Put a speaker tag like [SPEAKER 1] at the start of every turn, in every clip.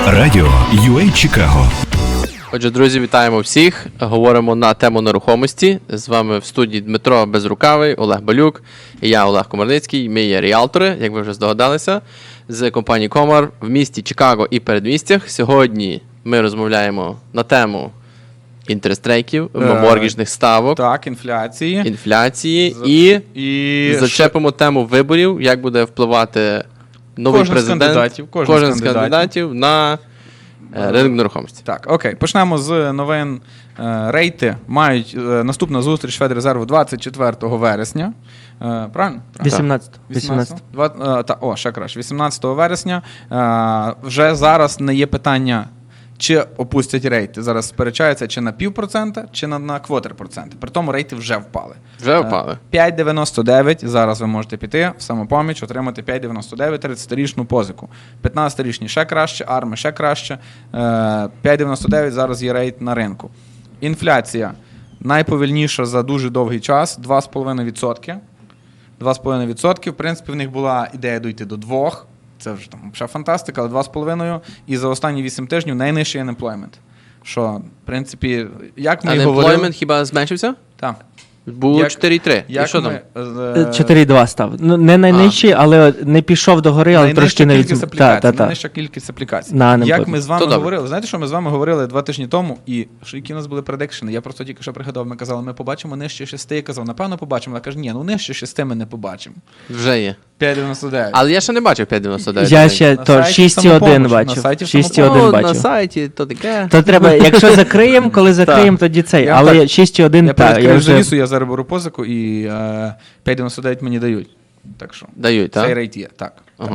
[SPEAKER 1] Радіо UA Чикаго.
[SPEAKER 2] Отже, друзі, вітаємо всіх. Говоримо на тему нерухомості. З вами в студії Дмитро Безрукавий, Олег Балюк і я, Олег Комарницький. Ми є ріалтори, як ви вже здогадалися, з компанії Комар в місті Чикаго і передмістях. Сьогодні ми розмовляємо на тему інтерестрейків, моргіжних ставок,
[SPEAKER 3] так, інфляції
[SPEAKER 2] і зачепимо тему виборів, як буде впливати новий президент, кожен з кандидатів на ринок нерухомості.
[SPEAKER 3] Так, окей. Почнемо з новин. Рейти мають наступна зустріч Федрезерву 24 вересня. Правильно?
[SPEAKER 4] 18.
[SPEAKER 3] Ще краще. 18 вересня. Вже зараз не є питання, чи опустять рейти. Зараз сперечаються, чи на 0,5%, чи на квотер процента. При тому рейти вже впали.
[SPEAKER 2] Вже впали.
[SPEAKER 3] 5,99. Зараз ви можете піти в Самопоміч, отримати 5,99 30-річну позику. 15-річні ще краще, арми ще краще. 5,99 зараз є рейт на ринку. Інфляція найповільніша за дуже довгий час. 2,5%. 2,5%. В принципі, в них була ідея дійти до 2%. Це вже там ще фантастика, але 2,5. І за останні 8 тижнів найнижчий unemployment. Що, в принципі, як ми і говорили...
[SPEAKER 2] Unemployment хіба зменшився?
[SPEAKER 3] Так.
[SPEAKER 2] Було 4,3. І що там?
[SPEAKER 4] 4,2 став. Ну, не найнижчий, але не пішов до гори, але трошки не
[SPEAKER 3] від... Найнижча кількість аплікацій. Як ми з вами говорили, знаєте, що ми з вами говорили 2 тижні тому, і які у нас були предикшени? Я просто тільки що пригадав, ми казали, ми побачимо нижче 6. Я казав, напевно, побачимо. Я кажу, ні, нижче 6 ми не побачимо.
[SPEAKER 2] Вже є.
[SPEAKER 3] 5,99.
[SPEAKER 2] Але я ще не бачив 5,99.
[SPEAKER 4] Я ще то 6,1 бачив. 6,1 бачив.
[SPEAKER 2] На сайті, то таке.
[SPEAKER 4] То треба, якщо закриємо, коли закриємо, тоді цей. Але 6,1, так.
[SPEAKER 3] Я вже завісу, я зараз беру позику, і 5,99 мені дають. Так що.
[SPEAKER 2] Дають, так?
[SPEAKER 3] Цей рейт є, так.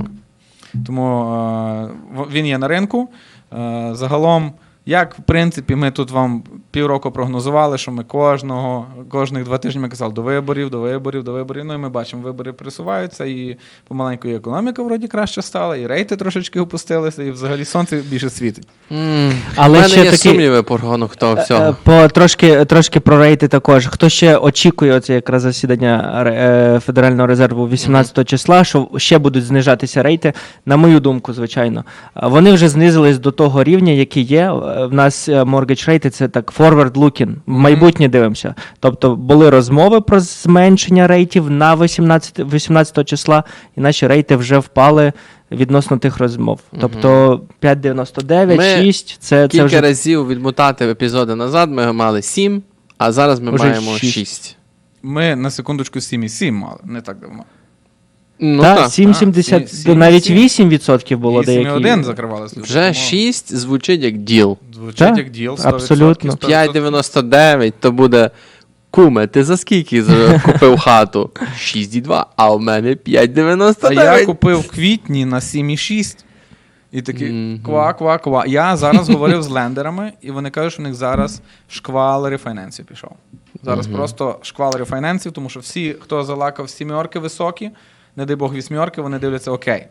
[SPEAKER 3] Тому він є на ринку. Загалом, як, в принципі, ми тут вам півроку прогнозували, що ми кожних 2 тижні ми казали до виборів. Ну і ми бачимо, вибори присуваються, і помаленьку і економіка вроді краще стала, і рейти трошечки опустилися, і взагалі сонце більше світить.
[SPEAKER 4] Але
[SPEAKER 2] в мене
[SPEAKER 4] ще
[SPEAKER 2] є сумніви по рахунок того всього.
[SPEAKER 4] Трошки про рейти також. Хто ще очікує оце якраз засідання Федерального резерву 18 числа, що ще будуть знижатися рейти, на мою думку, звичайно. Вони вже знизились до того рівня, який є. В нас mortgage рейти – це так forward looking, в майбутнє дивимося. Тобто були розмови про зменшення рейтів на 18 числа, і наші рейти вже впали відносно тих розмов. Тобто 5,99, 6 – це
[SPEAKER 2] кілька
[SPEAKER 4] вже...
[SPEAKER 2] разів відмотати епізоди назад ми мали 7, а зараз ми маємо 6.
[SPEAKER 3] Ми на секундочку 7,7 мали, не так давно.
[SPEAKER 4] Ну, так, 7,70, навіть 8% було деякі.
[SPEAKER 3] 8,1 закривали.
[SPEAKER 2] Вже 6 звучить як діл.
[SPEAKER 3] Звучить як діл, 100%.
[SPEAKER 4] Абсолютно.
[SPEAKER 2] 5,99 то буде, куме, ти за скільки купив хату? 6,2, а у мене 5,99.
[SPEAKER 3] А я купив в квітні на 7,6. І такий ква. Я зараз говорив з лендерами, і вони кажуть, що в них зараз шквал рефінансів пішов. Зараз просто шквал рефінансів, тому що всі, хто залакав 7 високі, не дай Бог 8, вони дивляться, окей,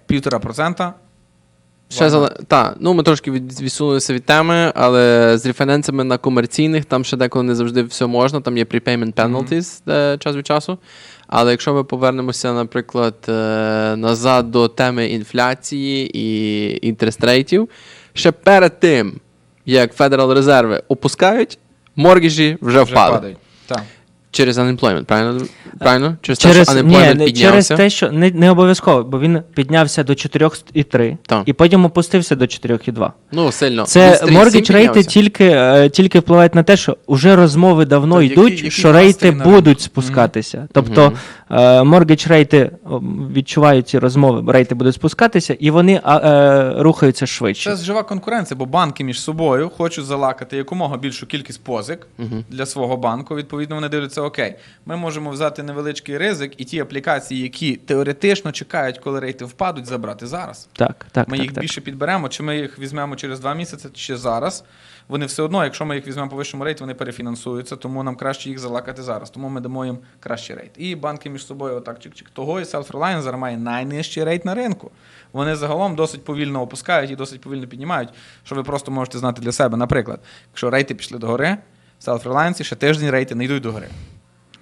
[SPEAKER 3] 1,5%.
[SPEAKER 2] Ми трошки відсунулися від теми, але з референсами на комерційних, там ще деколи не завжди все можна, там є prepayment penalties час від часу. Але якщо ми повернемося, наприклад, назад до теми інфляції і інтерестрейтів, ще перед тим, як Federal Резерви опускають, моргіжі вже впали.
[SPEAKER 3] Так.
[SPEAKER 2] Через unemployment, правильно? Через те, що unemployment піднявся?
[SPEAKER 4] Через те, що не обов'язково, бо він піднявся до 4,3 і потім опустився до 4,2.
[SPEAKER 2] Ну, сильно.
[SPEAKER 4] Це mortgage рейти тільки впливають на те, що вже розмови давно йдуть, що рейти будуть спускатися. Тобто mortgage рейти відчувають ці розмови, рейти будуть спускатися, і вони рухаються швидше.
[SPEAKER 3] Це жива конкуренція, бо банки між собою хочуть залакати якомога більшу кількість позик для свого банку. Відповідно, вони дивляться, окей, ми можемо взяти невеличкий ризик і ті аплікації, які теоретично чекають, коли рейти впадуть, забрати зараз. Ми їх більше підберемо, чи ми їх візьмемо через 2 місяці, чи зараз. Вони все одно, якщо ми їх візьмемо по вищому рейті, вони перефінансуються, тому нам краще їх залакати зараз. Тому ми дамо їм кращий рейт. І банки між собою отак чик-чик. Того і Self-Reliance зараз має найнижчий рейт на ринку. Вони загалом досить повільно опускають і досить повільно піднімають, що ви просто можете знати для себе. Наприклад, якщо рейти пішли догори, Self-Reliance ще тиждень рейти не йдуть догори.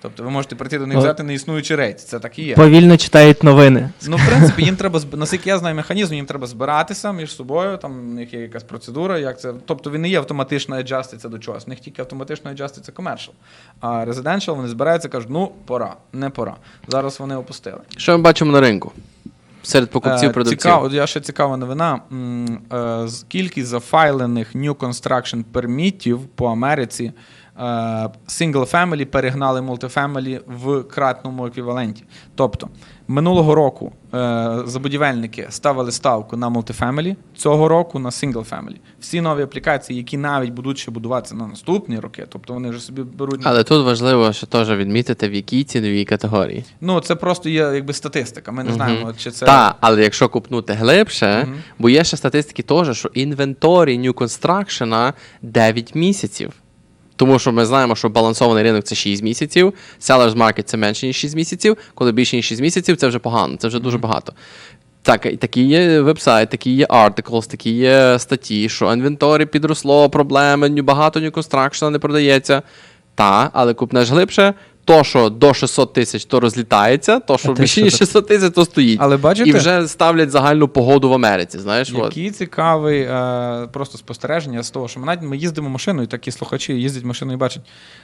[SPEAKER 3] Тобто ви можете прийти до них взяти неіснуючий рейд. Це так і є.
[SPEAKER 4] Повільно читають новини.
[SPEAKER 3] Ну, в принципі, їм треба, наскільки я знаю механізм, їм треба збиратися між собою, там у них є якась процедура, як це. Тобто він не є автоматично аджаститься до чогось. У них тільки автоматично аджаститься commercial. А residential вони збираються і кажуть, ну, пора, не пора. Зараз вони опустили.
[SPEAKER 2] Що ми бачимо на ринку? Серед покупців, продавців.
[SPEAKER 3] Цікаво, я ще цікава новина. Кількість зафайлених new construction пермітів по Америці single family перегнали multifamily в кратному еквіваленті. Тобто, минулого року забудівельники ставили ставку на multifamily, цього року на single family. Всі нові аплікації, які навіть будуть ще будуватися на наступні роки, тобто вони вже собі беруть...
[SPEAKER 2] Але тут важливо, що теж відмітити, в якій ціновій категорії.
[SPEAKER 3] Ну, це просто є якби статистика. Ми не знаємо, чи це...
[SPEAKER 2] Так, але якщо купнути глибше, бо є ще статистики теж, що інвенторі New Construction 9 місяців. Тому що ми знаємо, що балансований ринок – це 6 місяців, sellers market – це менше, ніж 6 місяців, коли більше, ніж 6 місяців – це вже погано, це вже дуже багато. Так, такі є веб-сайт, такі є articles, такі є статті, що інвенторі підросло, проблеми, багато New Construction не продається. Та, але купнеш глибше, то, що до 600 тисяч, то розлітається, то, що більше, ніж 600 тисяч, то стоїть.
[SPEAKER 3] Але бачите?
[SPEAKER 2] І вже ставлять загальну погоду в Америці, знаєш.
[SPEAKER 3] Який цікавий просто спостереження з того, що ми їздимо машиною, такі слухачі їздять машиною і бачать.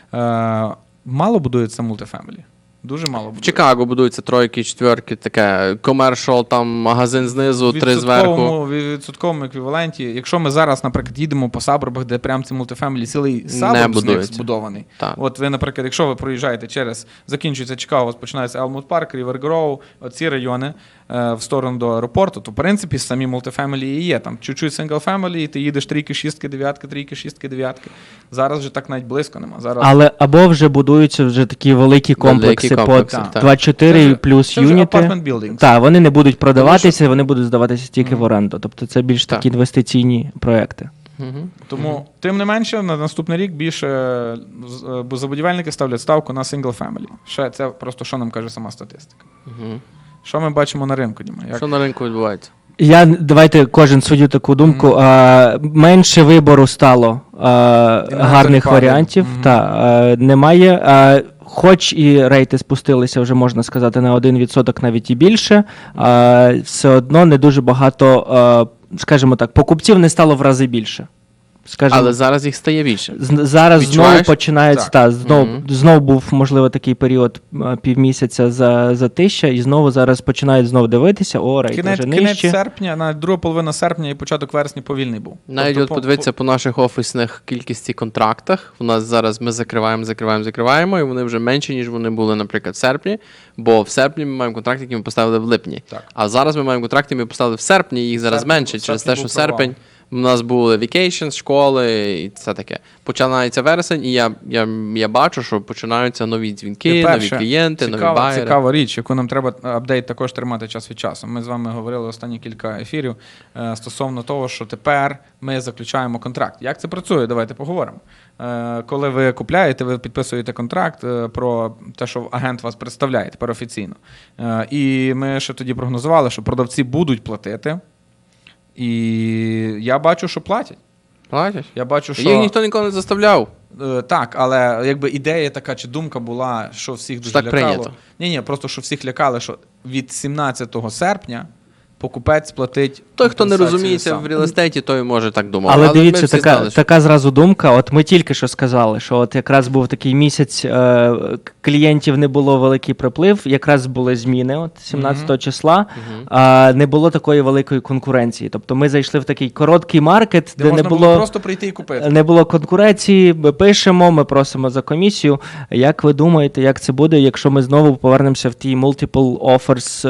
[SPEAKER 3] Мало будується мультифемілі. Дуже мало будується.
[SPEAKER 2] В Чикаго будуються тройки, четверки, таке комершал, там магазин знизу, три зверху.
[SPEAKER 3] В відсотковому еквіваленті. Якщо ми зараз, наприклад, їдемо по саборбах, де прям це мультифемілі, цілий саборб з них збудований.
[SPEAKER 2] Так.
[SPEAKER 3] От ви, наприклад, якщо ви проїжджаєте закінчується Чикаго, у вас починається Елмут Парк, Рівер Гроу, оці райони в сторону до аеропорту, то, в принципі, самі мультифемілі і є. Там чуть-чуть сингл-фемілі, і ти їдеш трійки, шістки, дев'ятки, трійки, шістки, дев'ятки. Зараз вже так навіть близько нема. Зараз...
[SPEAKER 4] Але або вже будуються вже такі великі комплекси по 24 плюс юніти. Так, вони не будуть продаватися, вони будуть здаватися тільки в оренду. Тобто це більш такі інвестиційні проекти.
[SPEAKER 3] Тому, тим не менше, на наступний рік більше забудівельники ставлять ставку на single family. Ще це просто, що нам каже сама статистика. Що ми бачимо на ринку, Діма?
[SPEAKER 2] Що на ринку відбувається?
[SPEAKER 4] Давайте кожен свою таку думку. Менше вибору стало гарних варіантів. Немає. Хоч і рейти спустилися, вже можна сказати, на 1%, навіть і більше, все одно не дуже багато, скажімо так, покупців не стало в рази більше.
[SPEAKER 2] Але зараз їх стає більше.
[SPEAKER 4] Зараз знову починається, знову був, можливо, такий період півмісяця за тисяча, і знову зараз починають знову дивитися, рейт вже нижче.
[SPEAKER 3] Кінець серпня, навіть друга половина серпня і початок вересня повільний був.
[SPEAKER 2] Навіть от подивитися по наших офісних кількості контрактах, у нас зараз ми закриваємо, і вони вже менші, ніж вони були, наприклад, в серпні, бо в серпні ми маємо контракти, які ми поставили в липні.
[SPEAKER 3] Так.
[SPEAKER 2] А зараз ми маємо контракти, які ми поставили в серпні, і їх зараз менше, через те, що серпень. У нас були vacations, школи і все таке. Починається вересень, і я бачу, що починаються нові дзвінки, нові клієнти, нові байери.
[SPEAKER 3] Цікава річ, яку нам треба апдейт також тримати час від часу. Ми з вами говорили останні кілька ефірів стосовно того, що тепер ми заключаємо контракт. Як це працює? Давайте поговоримо. Коли ви купляєте, ви підписуєте контракт про те, що агент вас представляє тепер офіційно. І ми ще тоді прогнозували, що продавці будуть платити. І я бачу, що платять.
[SPEAKER 2] Платять?
[SPEAKER 3] Я бачу, що...
[SPEAKER 2] Їх ніхто ніколи не заставляв.
[SPEAKER 3] Так, але якби ідея така, чи думка була, що всіх дуже лякало.
[SPEAKER 2] Прийнято.
[SPEAKER 3] Ні, просто що всіх лякали, що від 17 серпня покупець платить...
[SPEAKER 2] Той, хто не розуміється в реал-естейті, той може так думати.
[SPEAKER 4] Але дивіться, така зразу думка. От ми тільки що сказали, що от якраз був такий місяць, клієнтів не було великий приплив, якраз були зміни от 17 числа, не було такої великої конкуренції. Тобто ми зайшли в такий короткий маркет, де не було
[SPEAKER 3] просто прийти і купити.
[SPEAKER 4] Не було конкуренції, ми пишемо, ми просимо за комісію. Як ви думаєте, як це буде, якщо ми знову повернемося в ті multiple offers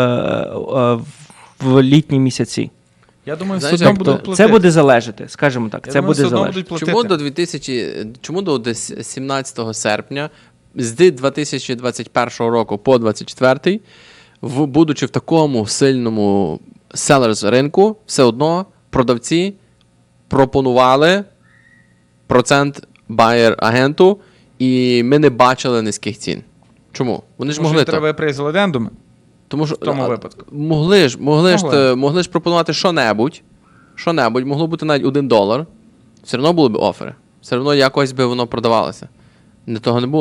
[SPEAKER 4] в літні місяці?
[SPEAKER 3] Я думаю, все одно будуть платити.
[SPEAKER 4] Це буде залежати, скажімо так. Це буде залежати.
[SPEAKER 2] Чому до 17 серпня з 2021 року по 2024, будучи в такому сильному sellers ринку, все одно продавці пропонували процент buyer-агенту, і ми не бачили низьких цін. Чому? Вони ж могли
[SPEAKER 3] треба прейз-легендуми.
[SPEAKER 2] Тому що
[SPEAKER 3] в тому випадку.
[SPEAKER 2] Могли ж пропонувати що-небудь, могло бути навіть $1, все одно були б офери, все одно якось би воно продавалося. Того не було.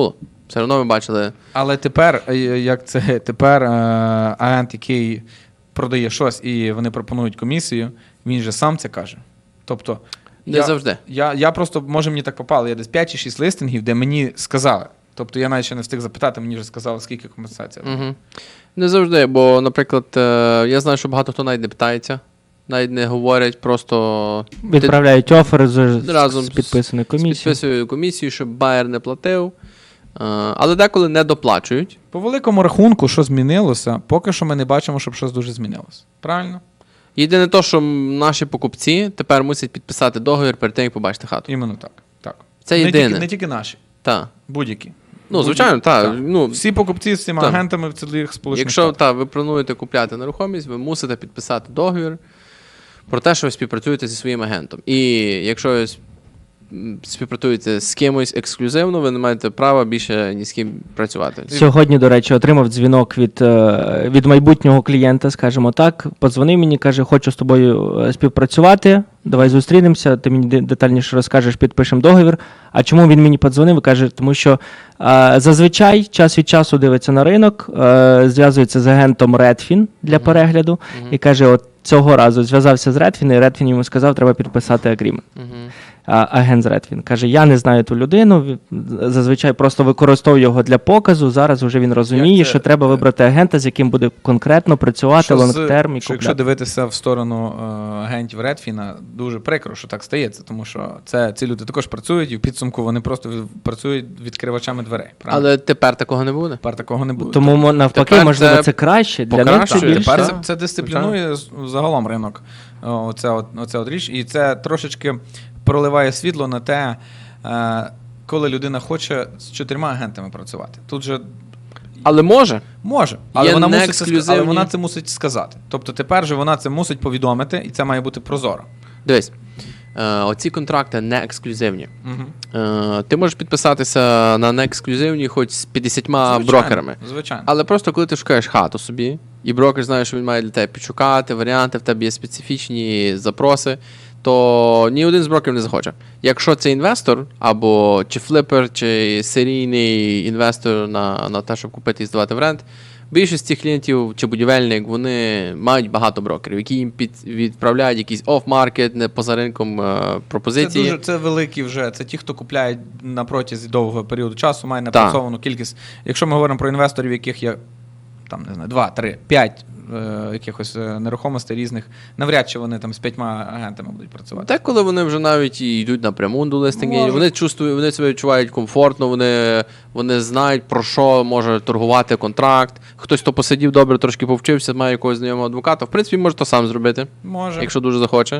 [SPEAKER 2] Все одно ви бачили.
[SPEAKER 3] Але тепер, тепер агент, який продає щось і вони пропонують комісію, він же сам це каже. Тобто,
[SPEAKER 2] Не завжди.
[SPEAKER 3] Я просто, може мені так попало, я десь 5 чи 6 листингів, де мені сказали. Тобто я навіть ще не встиг запитати, мені вже сказали, скільки компенсація.
[SPEAKER 2] Угу. Не завжди, бо, наприклад, я знаю, що багато хто навіть не питається, навіть не говорять, просто
[SPEAKER 4] Відправляють офер
[SPEAKER 2] разом
[SPEAKER 4] з підписаною комісією.
[SPEAKER 2] З підписують комісію, щоб байер не платив. Але деколи не доплачують.
[SPEAKER 3] По великому рахунку, що змінилося, поки що ми не бачимо, щоб щось дуже змінилося. Правильно?
[SPEAKER 2] Єдине то, що наші покупці тепер мусять підписати договір перед тим, як побачити хату.
[SPEAKER 3] Іменно так. Так.
[SPEAKER 2] Це
[SPEAKER 3] Не
[SPEAKER 2] єдине.
[SPEAKER 3] не тільки наші,
[SPEAKER 2] Так.
[SPEAKER 3] будь-які.
[SPEAKER 2] Ну, звичайно, так.
[SPEAKER 3] Так.
[SPEAKER 2] Ну,
[SPEAKER 3] Всі покупці з цими
[SPEAKER 2] так.
[SPEAKER 3] агентами в цілих Сполучених
[SPEAKER 2] якщо
[SPEAKER 3] Штатах.
[SPEAKER 2] ви плануєте купляти нерухомість, ви мусите підписати договір про те, що ви співпрацюєте зі своїм агентом. І якщо ви співпрацюєте з кимось ексклюзивно, ви не маєте права більше ні з ким працювати.
[SPEAKER 4] Сьогодні, до речі, отримав дзвінок від майбутнього клієнта, скажімо так. Подзвонив мені, каже, хочу з тобою співпрацювати, давай зустрінемося, ти мені детальніше розкажеш, підпишемо договір. А чому він мені подзвонив? Каже, тому що зазвичай час від часу дивиться на ринок, зв'язується з агентом Redfin для перегляду і каже, от цього разу зв'язався з Redfin, і Redfin йому сказав, треба підписати агрімент. Агент з Redfin. Каже, я не знаю ту людину, зазвичай просто використовую його для показу, зараз вже він розуміє, що треба вибрати агента, з яким буде конкретно працювати лонгтерм і
[SPEAKER 3] Якщо
[SPEAKER 4] купляти.
[SPEAKER 3] дивитися в сторону агентів Redfin, дуже прикро, що так стається, тому що ці люди також працюють, і в підсумку вони просто працюють відкривачами дверей. Правильно?
[SPEAKER 2] Але тепер такого не буде.
[SPEAKER 3] Тепер такого не буде.
[SPEAKER 4] Тому навпаки,
[SPEAKER 2] Тепер
[SPEAKER 4] можливо,
[SPEAKER 2] це
[SPEAKER 4] це краще. Для них це
[SPEAKER 2] покращує.
[SPEAKER 4] більше.
[SPEAKER 3] Тепер це дисциплінує загалом ринок. Оце от річ. І це трошечки проливає світло на те, коли людина хоче з 4 агентами працювати. Тут же
[SPEAKER 2] Але може.
[SPEAKER 3] може, але
[SPEAKER 2] Є
[SPEAKER 3] вона,
[SPEAKER 2] неексклюзивні.
[SPEAKER 3] але вона це мусить сказати. Тобто тепер же вона це мусить повідомити, і це має бути прозоро.
[SPEAKER 2] Дивись, оці контракти не ексклюзивні.
[SPEAKER 3] Угу.
[SPEAKER 2] Ти можеш підписатися на неексклюзивні хоч з 50 брокерами.
[SPEAKER 3] Звичайно.
[SPEAKER 2] Але просто коли ти шукаєш хату собі, і брокер знає, що він має для тебе підшукати варіанти, в тебе є специфічні запроси, то ні один з брокерів не захоче. Якщо це інвестор, або чи флипер, чи серійний інвестор на те, щоб купити і здавати в рент, більшість цих клієнтів чи будівельник, вони мають багато брокерів, які їм відправляють якісь оф-маркет, не поза ринком пропозиції.
[SPEAKER 3] Це великі вже, це ті, хто купляють на протязі довгого періоду часу, має напрацьовану кількість. Якщо ми говоримо про інвесторів, яких є там, не знаю, 2, 3, 5 якихось нерухомостей різних, навряд чи вони там з 5 агентами будуть працювати.
[SPEAKER 2] Деколи вони вже навіть і йдуть напряму до листинги,
[SPEAKER 3] Можуть.
[SPEAKER 2] вони себе відчувають комфортно, вони знають, про що може торгувати контракт. Хтось, хто посидів добре, трошки повчився, має якогось знайомого адвоката, в принципі, може то сам зробити,
[SPEAKER 3] Може.
[SPEAKER 2] якщо дуже захоче.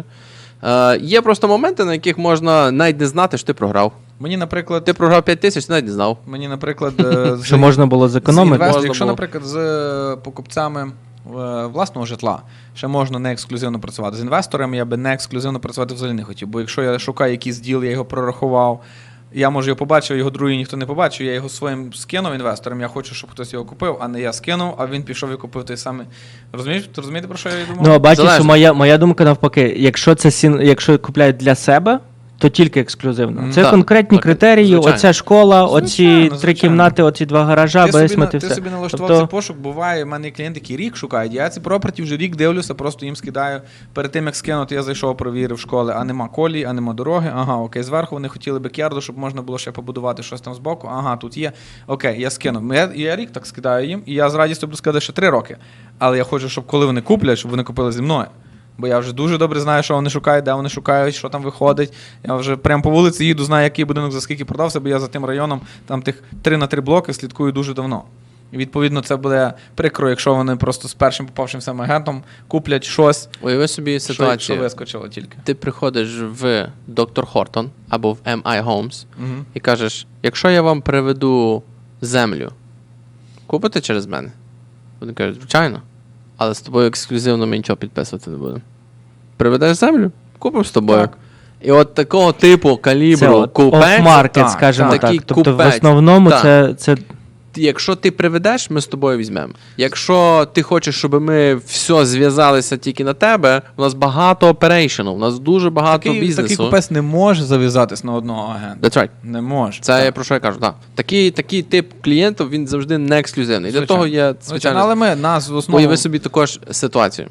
[SPEAKER 2] Є просто моменти, на яких можна навіть не знати, що ти програв.
[SPEAKER 3] Мені, наприклад,
[SPEAKER 2] Ти програв 5 тисяч, ти навіть не знав.
[SPEAKER 3] Мені, наприклад,
[SPEAKER 4] Що можна було зекономити.
[SPEAKER 3] Якщо,
[SPEAKER 2] було.
[SPEAKER 3] наприклад, з покупцями власного житла ще можна не ексклюзивно працювати. З інвесторами я би не ексклюзивно працювати взагалі не хотів, бо якщо я шукаю якийсь діл, я його прорахував, я, може, його побачив, його другий ніхто не побачив, я його своїм скинув інвесторам, я хочу, щоб хтось його купив, а не я скинув, а він пішов і купив той самий. Розумієш? Ти розумієте, про що я думав?
[SPEAKER 4] Ну, а бачиш,
[SPEAKER 2] Залежно.
[SPEAKER 4] що моя думка навпаки, якщо купляють для себе, то тільки ексклюзивно. Це
[SPEAKER 2] Так,
[SPEAKER 4] конкретні
[SPEAKER 2] так,
[SPEAKER 4] критерії,
[SPEAKER 2] звичайно.
[SPEAKER 4] оця школа, оці
[SPEAKER 3] Звичайно,
[SPEAKER 4] 3 кімнати, оці 2 гаража, бейсмент і
[SPEAKER 3] Ти
[SPEAKER 4] все.
[SPEAKER 3] собі налаштував
[SPEAKER 4] Тобто,
[SPEAKER 3] цей пошук, буває, в мене є клієнти, які рік шукають, я ці проперті вже рік дивлюся, просто їм скидаю. Перед тим, як скинути, я зайшов, провірив школи, а нема колії, а нема дороги, ага, окей, зверху вони хотіли бекярду, щоб можна було ще побудувати щось там збоку, ага, тут є, окей, я скинув. Я рік так скидаю їм, і я з радістю буду сказати, що 3 роки. Але я хочу, щоб коли вони куплять, щоб вони купили зі мною. Бо я вже дуже добре знаю, що вони шукають, де вони шукають, що там виходить. Я вже прямо по вулиці їду, знаю, який будинок за скільки продався, бо я за тим районом, там тих 3 на 3 блоки слідкую дуже давно. І відповідно це буде прикро, якщо вони просто з першим попавшим сам агентом куплять щось,
[SPEAKER 2] Уяви собі
[SPEAKER 3] що
[SPEAKER 2] ситуацію.
[SPEAKER 3] вискочило тільки.
[SPEAKER 2] Ти приходиш в Доктор Хортон або в MI Homes
[SPEAKER 3] Угу.
[SPEAKER 2] і кажеш, якщо я вам приведу землю, купите через мене? Вони кажуть, звичайно. Але з тобою ексклюзивно ми нічого підписувати не будемо. Приведеш землю? Купимо з тобою.
[SPEAKER 3] Так.
[SPEAKER 2] І от такого типу калібру
[SPEAKER 4] це
[SPEAKER 2] купець.
[SPEAKER 4] оф-маркет,
[SPEAKER 3] так,
[SPEAKER 4] скажімо
[SPEAKER 2] так.
[SPEAKER 4] так.
[SPEAKER 2] Такий
[SPEAKER 4] Тобто в
[SPEAKER 2] купець.
[SPEAKER 4] основному
[SPEAKER 2] Так.
[SPEAKER 4] це
[SPEAKER 2] якщо ти приведеш, ми з тобою візьмемо. Якщо ти хочеш, щоб ми все зв'язалися тільки на тебе, у нас багато оперейшену, у нас дуже багато
[SPEAKER 3] Такий
[SPEAKER 2] бізнесу.
[SPEAKER 3] купець не може зав'язатись на одного агента.
[SPEAKER 2] That's right.
[SPEAKER 3] Не може.
[SPEAKER 2] Це я про що я кажу, так. Такий тип клієнтів, він завжди не ексклюзивний. Для того є, звичайно,
[SPEAKER 3] але нас в основному...
[SPEAKER 2] уяви собі також ситуацію.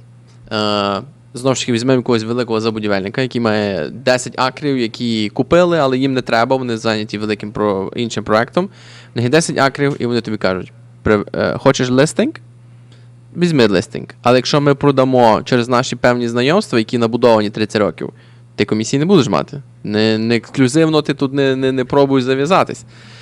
[SPEAKER 2] Знову ж таки, візьмемо якогось великого забудівельника, який має 10 акрів, які купили, але їм не треба, вони зайняті великим іншим проектом. В них є 10 акрів, і вони тобі кажуть, хочеш листинг? Візьми листинг. Але якщо ми продамо через наші певні знайомства, які набудовані 30 років, ти комісії не будеш мати. Не ексклюзивно ти тут не пробуй зав'язатись.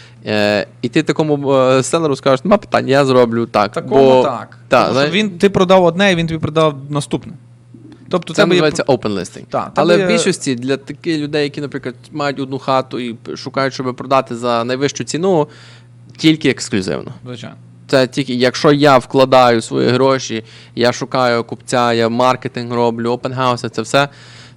[SPEAKER 2] І ти такому селеру скажеш, нема питань, я зроблю так.
[SPEAKER 3] Такому так.
[SPEAKER 2] Та,
[SPEAKER 3] Тому що ти продав одне, і він тобі продав наступне. Тобто
[SPEAKER 2] це називається open listing.
[SPEAKER 3] Так,
[SPEAKER 2] але в більшості для таких людей, які, наприклад, мають одну хату і шукають, щоб продати за найвищу ціну, тільки ексклюзивно.
[SPEAKER 3] Звичайно.
[SPEAKER 2] Це тільки, якщо я вкладаю свої гроші, я шукаю купця, я маркетинг роблю, опенхауси, це все,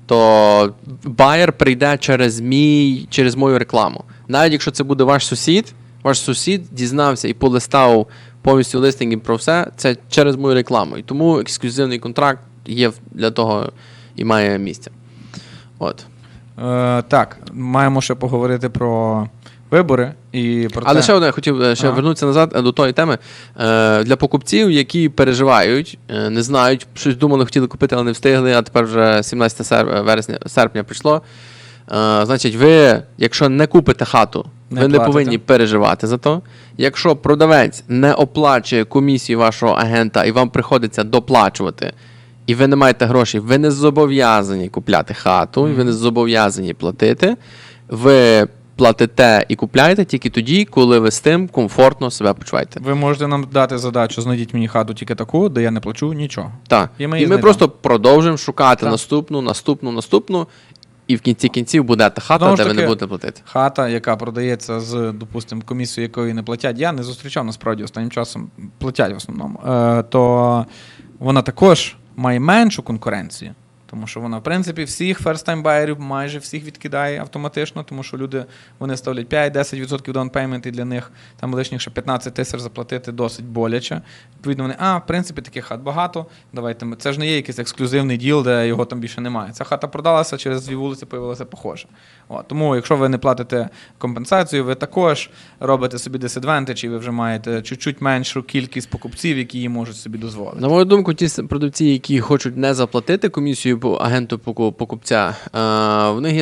[SPEAKER 2] то байер прийде через мою рекламу. Навіть якщо це буде ваш сусід дізнався і полистав повністю листинги про все, це через мою рекламу. І тому ексклюзивний контракт є для того і має місце. От.
[SPEAKER 3] Так, маємо ще поговорити про вибори і про
[SPEAKER 2] Але
[SPEAKER 3] те...
[SPEAKER 2] ще одне, хотів вернутися назад до тої теми. Для покупців, які переживають, не знають, щось думали, хотіли купити, але не встигли, а тепер вже 17 серпня прийшло. Значить, ви, якщо не купите хату, ви не повинні переживати за то. Якщо продавець не оплачує комісію вашого агента і вам приходиться доплачувати, і ви не маєте грошей, ви не зобов'язані купляти хату, і ви не зобов'язані платити, ви платите і купляєте тільки тоді, коли ви з тим комфортно себе почуваєте.
[SPEAKER 3] Ви можете нам дати задачу, знайдіть мені хату тільки таку, де я не плачу нічого.
[SPEAKER 2] Так. І ми просто продовжуємо шукати наступну, і в кінці кінців буде та хата, де ви не будете платити.
[SPEAKER 3] Хата, яка продається з, допустимо, комісією, якої не платять, я не зустрічав, насправді, останнім часом платять в основному, то вона також має меншу конкуренцію. Тому що вона, в принципі, всіх first-time байерів майже всіх відкидає автоматично, тому що люди, вони ставлять 5-10% down payment, і для них там лишніх ще 15 тисяч заплатити досить боляче. Відповідно, вони, в принципі, таких хат багато, давайте ми. Це ж не є якийсь ексклюзивний діл, де його там більше немає. Ця хата продалася, через 2 вулиці появилася похожа. Тому, якщо ви не платите компенсацію, ви також робите собі disadvantage, і ви вже маєте чуть-чуть меншу кількість покупців, які її можуть собі дозволити.
[SPEAKER 2] На мою думку, ті продавці, які хочуть не заплатити комісію агенту покупця, в них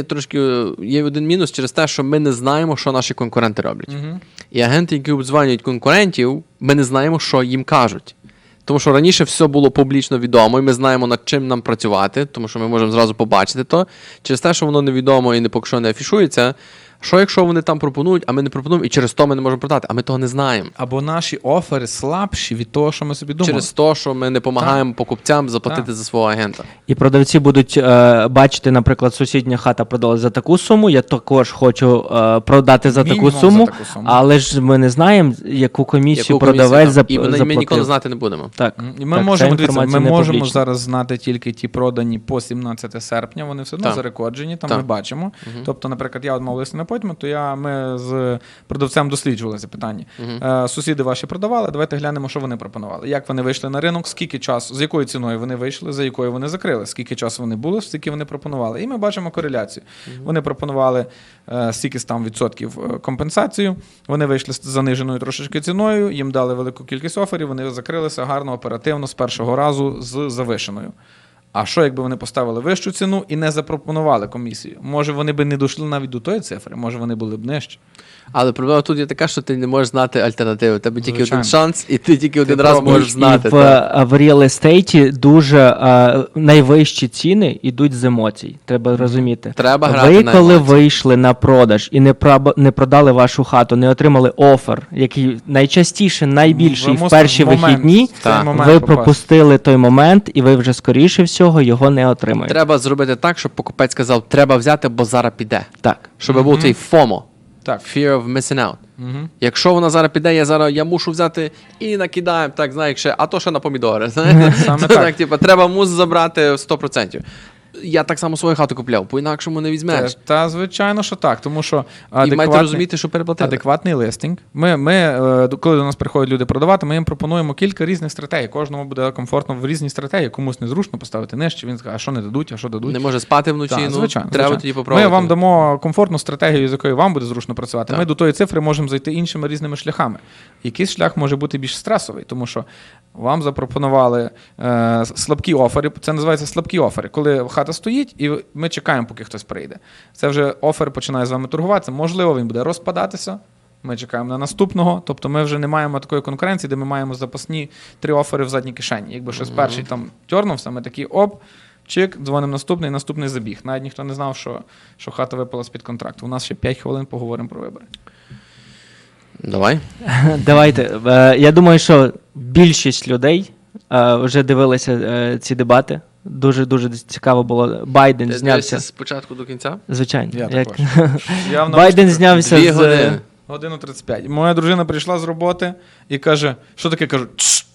[SPEAKER 2] є один мінус через те, що ми не знаємо, що наші конкуренти роблять. І агенти, які обдзвонюють конкурентів, ми не знаємо, що їм кажуть. Тому що раніше все було публічно відомо, і ми знаємо, над чим нам працювати, тому що ми можемо зразу побачити то. Через те, що воно невідомо і поки що не афішується, що якщо вони там пропонують, а ми не пропонуємо, і через то ми не можемо продати, а ми того не знаємо.
[SPEAKER 3] Або наші офери слабші від того, що ми собі думали.
[SPEAKER 2] Через те, що ми не допомагаємо покупцям заплатити за свого агента.
[SPEAKER 4] І продавці будуть бачити, наприклад, сусідня хата продала за таку суму, я також хочу продати за таку суму, але ж ми не знаємо, яку комісію продавець заплатив.
[SPEAKER 2] І ми ніколи знати не будемо.
[SPEAKER 4] Так.
[SPEAKER 3] І ми можемо зараз знати тільки ті продані по 17 серпня, вони все одно зарекорджені, там ми бачимо. Тобто, наприклад, я мав лист на потім, то ми з продавцем досліджували це питання. Сусіди ваші продавали, давайте глянемо, що вони пропонували. Як вони вийшли на ринок, скільки часу, з якою ціною вони вийшли, за якою вони закрили, скільки часу вони були, скільки вони пропонували. І ми бачимо кореляцію. Вони пропонували стільки там відсотків компенсацію, вони вийшли з заниженою трошечки ціною, їм дали велику кількість оферів, вони закрилися гарно, оперативно, з першого разу з завишеною. А що, якби вони поставили вищу ціну і не запропонували комісію? Може, вони б не дійшли навіть до тої цифри, може, вони були б нижче.
[SPEAKER 2] Але проблема тут є така, що ти не можеш знати альтернативу. У тебе тільки один шанс, і ти тільки один раз можеш знати.
[SPEAKER 4] І в реал-естейті дуже найвищі ціни йдуть з емоцій. Треба розуміти.
[SPEAKER 2] Треба грати
[SPEAKER 4] ви,
[SPEAKER 2] на
[SPEAKER 4] коли
[SPEAKER 2] емоції.
[SPEAKER 4] вийшли на продаж і не продали вашу хату, не отримали офер, який найчастіше, найбільший в перші вихідні, ви пропустили той момент, і ви вже, скоріше всього, його не отримаєте.
[SPEAKER 2] Треба зробити так, щоб покупець сказав, треба взяти, бо зараз піде.
[SPEAKER 4] Так.
[SPEAKER 2] Щоб був цей FOMO.
[SPEAKER 3] Так.
[SPEAKER 2] Fear of missing out. Якщо вона зараз піде, я мушу взяти і накидаємо, так, знаєш, а то ще на помідори.
[SPEAKER 3] Саме так.
[SPEAKER 2] Треба мус забрати 100%. я так само свою хату купляв, по-інакшому не візьмеш.
[SPEAKER 3] Та звичайно, що так, тому що
[SPEAKER 2] І маєте розуміти, що переплатили.
[SPEAKER 3] адекватний листинг. Коли до нас приходять люди продавати, ми їм пропонуємо кілька різних стратегій. Кожному буде комфортно в різній стратегії. Комусь незручно поставити нижче, він скаже, а що не дадуть, а що дадуть.
[SPEAKER 2] Не може спати вночі,
[SPEAKER 3] Так, звичайно,
[SPEAKER 2] треба
[SPEAKER 3] звичайно.
[SPEAKER 2] тоді попробувати.
[SPEAKER 3] Ми вам дамо комфортну стратегію, з якою вам буде зручно працювати.
[SPEAKER 2] Так.
[SPEAKER 3] Ми до тої цифри можемо зайти іншими різними шляхами. Якийсь шлях може бути більш стресовий, тому що вам запропонували слабкі офери. Це називається слабкі офери. Коли хата стоїть, і ми чекаємо, поки хтось прийде. Це вже офер починає з вами торгуватися. Можливо, він буде розпадатися. Ми чекаємо на наступного. Тобто ми вже не маємо такої конкуренції, де ми маємо запасні 3 офери в задній кишені. Якби щось перший там тьорнувся, ми такі чик, дзвонимо наступний забіг. Навіть ніхто не знав, що хата випала з-під контракту. У нас ще 5 хвилин поговоримо про вибори.
[SPEAKER 2] Давай.
[SPEAKER 4] Давайте. Я думаю, що більшість людей вже дивилися ці дебати. Дуже цікаво було. Байден
[SPEAKER 2] Ти
[SPEAKER 4] знявся.
[SPEAKER 2] дивишся з початку до кінця?
[SPEAKER 4] Звичайно.
[SPEAKER 3] Я
[SPEAKER 4] Як...
[SPEAKER 3] також. Я в
[SPEAKER 4] Байден
[SPEAKER 3] наушниках
[SPEAKER 4] знявся
[SPEAKER 2] 2
[SPEAKER 4] з...
[SPEAKER 2] години.
[SPEAKER 3] годину 35. Моя дружина прийшла з роботи і каже, що таке? Кажу, «Тш».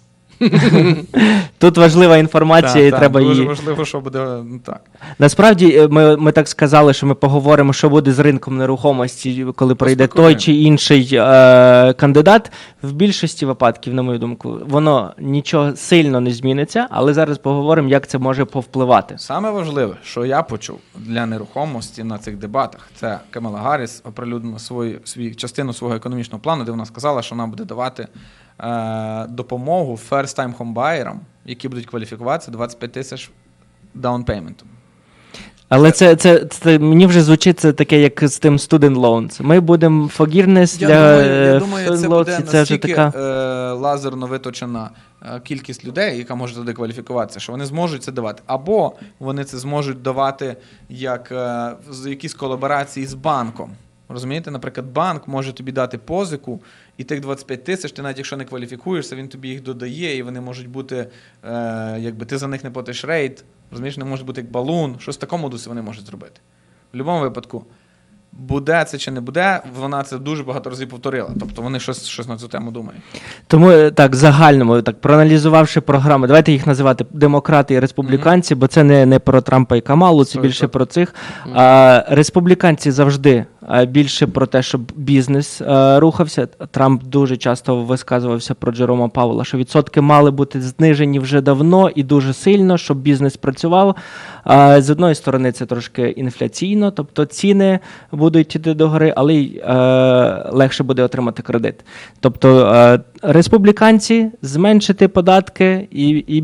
[SPEAKER 4] Тут важлива інформація, і треба
[SPEAKER 3] дуже
[SPEAKER 4] її...
[SPEAKER 3] важливо, що буде так.
[SPEAKER 4] Насправді, ми так сказали, що ми поговоримо, що буде з ринком нерухомості, коли прийде той чи інший кандидат. В більшості випадків, на мою думку, воно нічого сильно не зміниться, але зараз поговоримо, як це може повпливати.
[SPEAKER 3] Саме важливе, що я почув для нерухомості на цих дебатах, це Камала Гарріс оприлюднила частину свого економічного плану, де вона сказала, що вона буде давати допомогу first-time homebuyer, які будуть кваліфікуватися 25 тисяч даунпейментом.
[SPEAKER 4] Але це мені вже звучить це таке, як з тим student loans. Ми будемо forgiveness
[SPEAKER 3] Я думаю, це
[SPEAKER 4] student
[SPEAKER 3] буде
[SPEAKER 4] loans, і це вже
[SPEAKER 3] настільки
[SPEAKER 4] така...
[SPEAKER 3] лазерно виточена кількість людей, яка може туди кваліфікуватися, що вони зможуть це давати. Або вони це зможуть давати як з якісь колаборації з банком. Розумієте, наприклад, банк може тобі дати позику, і тих 25 тисяч, ти навіть якщо не кваліфікуєшся, він тобі їх додає, і вони можуть бути, якби ти за них не платиш рейт, розумієш, не може бути як балун, щось в такому дусі вони можуть зробити. В будь-якому випадку, буде це чи не буде, вона це дуже багато разів повторила. Тобто вони щось на цю тему думають.
[SPEAKER 4] Тому так, загальному, так, проаналізувавши програми, давайте їх називати демократи і республіканці, бо це не про Трампа і Камалу, це більше про цих. Республіканці завжди більше про те, щоб бізнес рухався. Трамп дуже часто висказувався про Джерома Пауела, що відсотки мали бути знижені вже давно і дуже сильно, щоб бізнес працював. З одної сторони, це трошки інфляційно, тобто ціни будуть йти догори, але й легше буде отримати кредит. Тобто республіканці зменшити податки і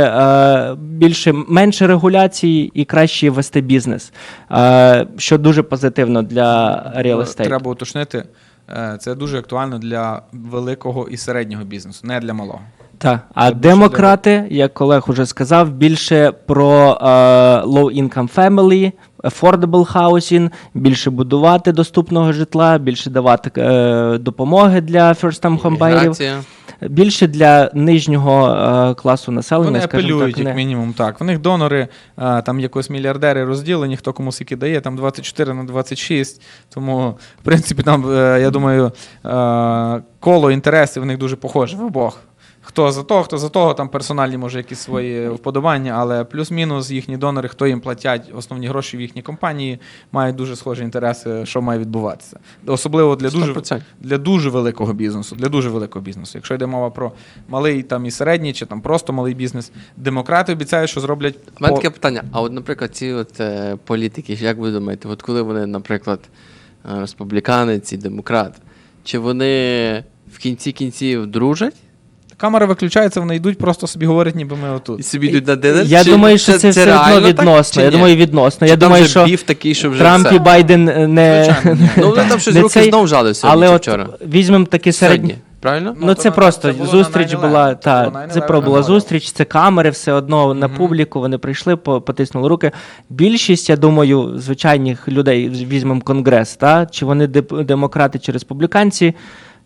[SPEAKER 4] менше регуляцій і краще вести бізнес, що дуже позитивно для real estate.
[SPEAKER 3] Треба уточнити, це дуже актуально для великого і середнього бізнесу, не для малого.
[SPEAKER 4] Так, а демократи, як Олег уже сказав, більше про low-income family, affordable housing, більше будувати доступного житла, більше давати допомоги для first-time homebuyer,
[SPEAKER 2] Міграція.
[SPEAKER 4] більше для нижнього класу населення,
[SPEAKER 3] Вони
[SPEAKER 4] скажімо
[SPEAKER 3] апелюють,
[SPEAKER 4] так.
[SPEAKER 3] як мінімум, так. В них донори, там якось мільярдери розділені, хто кому скільки дає, там 24 на 26, тому, в принципі, там, я думаю, коло інтересів в них дуже похоже в обох. Хто за того, там персональні, може, якісь свої вподобання, але плюс-мінус їхні донори, хто їм платять основні гроші в їхній компанії, мають дуже схожі інтереси, що має відбуватися. Особливо для дуже великого бізнесу. Якщо йде мова про малий там, і середній, чи там просто малий бізнес, демократи обіцяють, що зроблять...
[SPEAKER 2] У мене таке питання. А от, наприклад, ці політики, як ви думаєте, от коли вони, наприклад, республіканець і демократ, чи вони в кінці кінців дружать?
[SPEAKER 3] Камера виключається, вони йдуть, просто собі говорять, ніби ми отут.
[SPEAKER 2] І собі йдуть на динер?
[SPEAKER 4] Я думаю, що це все одно
[SPEAKER 2] реально
[SPEAKER 4] відносно.
[SPEAKER 2] так,
[SPEAKER 4] Я думаю, відносно. Я думаю, що
[SPEAKER 2] біф такий, що вже
[SPEAKER 4] Трамп
[SPEAKER 2] все.
[SPEAKER 4] і Байден не...
[SPEAKER 3] Звичайно, ні.
[SPEAKER 2] Ну, вони там щось
[SPEAKER 4] не
[SPEAKER 2] руки
[SPEAKER 4] цей,
[SPEAKER 2] знов жали сьогодні
[SPEAKER 4] але
[SPEAKER 2] чи
[SPEAKER 4] от
[SPEAKER 2] вчора.
[SPEAKER 4] візьмемо такі середні.
[SPEAKER 2] Сьогодні, правильно?
[SPEAKER 4] Ну, це
[SPEAKER 3] то
[SPEAKER 4] просто
[SPEAKER 3] це було
[SPEAKER 4] зустріч
[SPEAKER 3] на 9/11.
[SPEAKER 4] була,
[SPEAKER 3] Це було
[SPEAKER 4] та,
[SPEAKER 3] 9/11
[SPEAKER 4] це була
[SPEAKER 3] нагода.
[SPEAKER 4] зустріч, це камери, все одно на публіку, вони прийшли, потиснули руки. Більшість, я думаю, звичайних людей, візьмемо Конгрес, та, чи вони демократи, чи республіканці,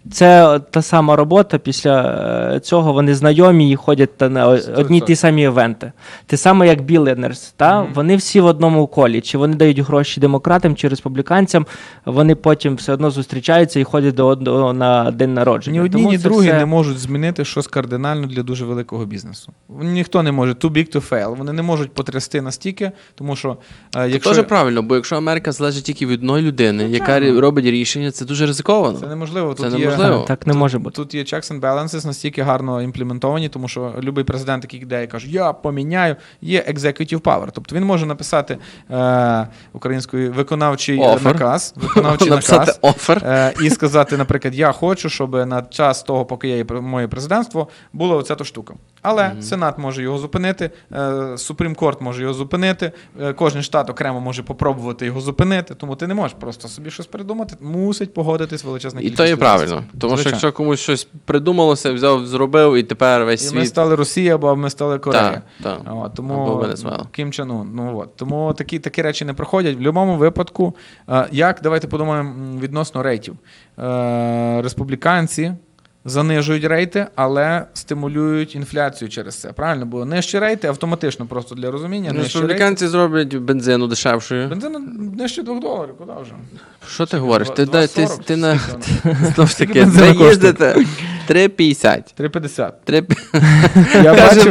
[SPEAKER 4] це та сама робота. Після цього вони знайомі і ходять на одні й ті самі івенти. Те саме, як Billionaires, та? Вони всі в одному колі. Чи вони дають гроші демократам чи республіканцям, вони потім все одно зустрічаються і ходять до одного на день народження.
[SPEAKER 3] Ні одні,
[SPEAKER 4] Тому
[SPEAKER 3] ні
[SPEAKER 4] це
[SPEAKER 3] другі
[SPEAKER 4] все-
[SPEAKER 3] не можуть змінити щось кардинально для дуже великого бізнесу. Ніхто не може too big to fail. Вони не можуть потрясти настільки, тому що якщо...
[SPEAKER 2] Теж правильно, бо якщо Америка залежить тільки від одної людини, яка робить рішення, це дуже ризиковано.
[SPEAKER 3] Це неможливо.
[SPEAKER 2] Це
[SPEAKER 3] Тут
[SPEAKER 2] неможливо.
[SPEAKER 3] Є,
[SPEAKER 4] Так не може бути.
[SPEAKER 3] Тут є checks and balances настільки гарно імплементовані, тому що будь-який президент, який йде і каже, я поміняю, є executive power. Тобто він може написати українською виконавчий наказ,
[SPEAKER 2] Написати офер.
[SPEAKER 3] і сказати, наприклад, я хочу, щоб на час того, поки я є моє президентство, була оця то штука. Але Сенат може його зупинити, Supreme Court може його зупинити, кожен штат окремо може попробувати його зупинити, тому ти не можеш просто собі щось придумати, мусить погодитись величезна
[SPEAKER 2] І
[SPEAKER 3] кількість
[SPEAKER 2] то є
[SPEAKER 3] людей.
[SPEAKER 2] правильно. Тому що
[SPEAKER 3] Звичайно.
[SPEAKER 2] якщо комусь щось придумалося, взяв, зробив, і тепер весь
[SPEAKER 3] І ми
[SPEAKER 2] світ.
[SPEAKER 3] стали Росія, або ми стали Корея.
[SPEAKER 2] Так.
[SPEAKER 3] От, тому
[SPEAKER 2] Або Венесуела.
[SPEAKER 3] Кім Чен Ун. Ну, от. Тому такі речі не проходять. В будь-якому випадку, давайте подумаємо відносно рейтів. Республіканці занижують рейти, але стимулюють інфляцію через це. Правильно? Бо нижчі рейти автоматично, просто для розуміння. Нижчі рейти.
[SPEAKER 2] Республіканці зроблять бензину дешевшою.
[SPEAKER 3] Бензин нижче $2, куди вже?
[SPEAKER 2] Що ти говориш? Ти
[SPEAKER 3] 2,40,
[SPEAKER 2] ти на
[SPEAKER 3] скільки воно?
[SPEAKER 2] знову ж
[SPEAKER 3] Скільки
[SPEAKER 2] таки
[SPEAKER 3] бензину
[SPEAKER 2] ви
[SPEAKER 3] коштує?
[SPEAKER 2] їздите 3,50.
[SPEAKER 3] 3,50. Я бачив.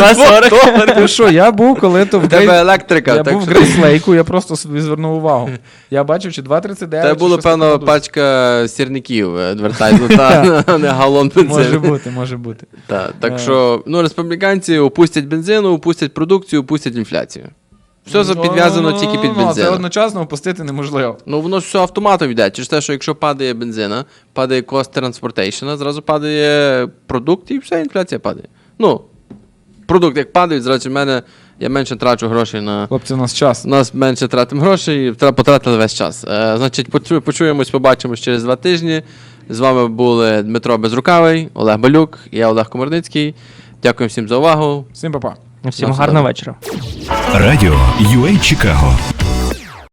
[SPEAKER 3] Ти що, я був, коли то в
[SPEAKER 2] У тебе електрика.
[SPEAKER 3] Я
[SPEAKER 2] так
[SPEAKER 3] був в
[SPEAKER 2] що-
[SPEAKER 3] Грейслейку, я просто собі звернув увагу. Я бачив, чи 2,39.
[SPEAKER 2] Це
[SPEAKER 3] чи
[SPEAKER 2] було,
[SPEAKER 3] щось таке
[SPEAKER 2] певно,
[SPEAKER 3] надуто.
[SPEAKER 2] пачка сірників адвертайзнута, а не галон бензину.
[SPEAKER 3] Може бути.
[SPEAKER 2] Так що, республіканці опустять бензину, опустять продукцію, опустять інфляцію. Все підв'язано тільки під
[SPEAKER 3] Це
[SPEAKER 2] бензином.
[SPEAKER 3] одночасно опустити неможливо.
[SPEAKER 2] Ну, воно ж все автоматом йде. Через те, що якщо падає бензина, падає cost transportation, зразу падає продукт і все, інфляція падає. Ну, продукт як падає, зразу я менше трачу грошей на...
[SPEAKER 3] Хлопці, у нас час.
[SPEAKER 2] У нас менше тратимо грошей, потратили весь час. Значить, почуємось, побачимось через 2 тижні. З вами були Дмитро Безрукавий, Олег Балюк, я Олег Комарницький. Дякую всім за увагу.
[SPEAKER 3] Всім па-па.
[SPEAKER 4] Всім
[SPEAKER 2] Все
[SPEAKER 4] гарного
[SPEAKER 2] добре.
[SPEAKER 4] вечора.
[SPEAKER 1] Радіо UA Чикаго.